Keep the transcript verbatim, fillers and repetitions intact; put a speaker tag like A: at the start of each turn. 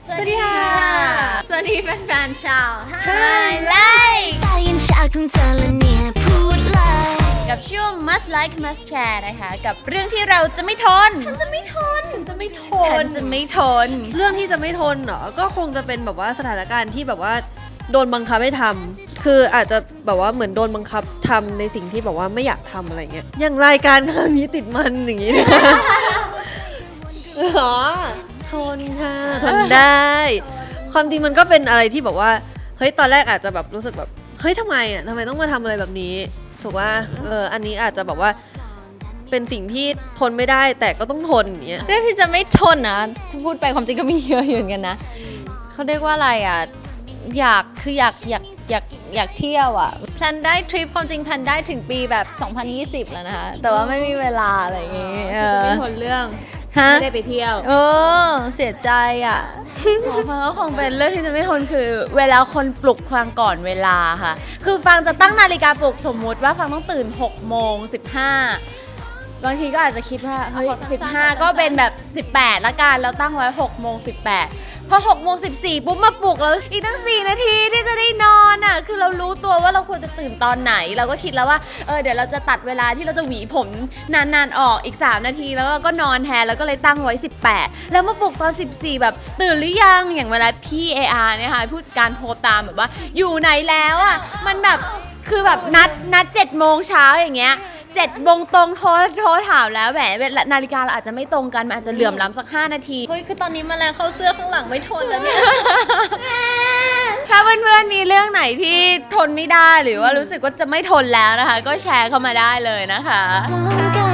A: สวัสดีค่ะสวัสดีแฟนๆชาวไฮไลท์
B: ได้ยินชาของเธอและเนี่ยพูดเลย
A: กับช่วง must like must share นะคะกับเรื่องที่เราจะไม่ทนฉันจะไม่ทนฉันจะไม่ทนฉันจะไม่ทน
C: เรื่องที่จะไม่ทนเหรอก็คงจะเป็นแบบว่าสถานการณ์ที่แบบว่าโดนบังคับให้ทำคืออาจจะแบบว่าเหมือนโดนบังคับทำในสิ่งที่แบบว่าไม่อยากทำอะไรเงี้ยอย่างรายการคำนี้ติดมันอย่างงี้นะคะอ๋อทนค่ะทนได้ความจริงมันก็เป็นอะไรที่แบบว่าเฮ้ยตอนแรกอาจจะแบบรู้สึกแบบเฮ้ยทำไมอ่ะทำไมต้องมาทำอะไรแบบนี้ถูกว่าเอออันนี้อาจจะแบบว่าเป็นสิ่งที่ทนไม่ได้แต่ก็ต้องทนอย่างเงี้ย
A: เรื่องที่จะไม่ทนนะถ้าพูดไปความจริงก็มีเยอะอยู่เหมือนกันนะเขาเรียกว่าอะไรอ่ะอยากคืออยากอยากอยากอยากเที่ยวอ่ะแพลนได้ทริปความจริงแพลนได้ถึงปีแบบสองพันยี่สิบแล้วนะคะแต่ว่าไม่มีเวลาอะไรอย่างเงี้ย
C: ไม่ทนเรื่องไม่ได้ไปเที่ยว
A: เออเสียใจอ่ะ
D: ฟังก็คงเป็นเรื่องที่จะไม่ทนคือเวลาคนปลุกฟังก่อนเวลาค่ะคือฟังจะตั้งนาฬิกาปลุกสมมุติว่าฟังต้องตื่นหกโมงสิบห้าบางทีก็อาจจะคิดว่าเฮ้ยสิบห้าก็เป็นแบบสิบแปดละกันแล้วตั้งไว้หกโมงสิบแปดพอหกโมงสิบสี่ปุ๊บมาปลุกแล้วอีกตั้งสี่นาทีที่จะได้นอนอ่ะคือเรารู้ตัวว่าเราควรจะตื่นตอนไหนเราก็คิดแล้วว่าเออเดี๋ยวเราจะตัดเวลาที่เราจะหวีผมนานๆออกอีกสามนาทีแล้วเราก็นอนแทนแล้วก็เลยตั้งไว้สิบแปดแล้วมาปลุกตอนสิบสี่แบบตื่นหรือยังอย่างเวลาพี่ เอ อาร์ เนี่ยค่ะผู้จัดการโทรตามแบบว่าอยู่ไหนแล้วอ่ะมันแบบคือแบบนัดนัดเจ็ดโมงเช้าอย่างเงี้ยเจ็ดโมงตรงโทรโทรถามแล้วแหมนาฬิกาเราอาจจะไม่ตรงกันมันอาจจะเหลื่อมล้ำสักห้านาที
A: เฮ้ยคือตอนนี้แมลงเข้าเสื้อข้างหลังไม่ทนแล้วเนี่ย
D: ถ้าเพื่อนๆมีเรื่องไหนที่ทนไม่ได้หรือว่ารู้สึกว่าจะไม่ทนแล้วนะคะก็แชร์เข้ามาได้เลยนะคะ
B: ทนกัน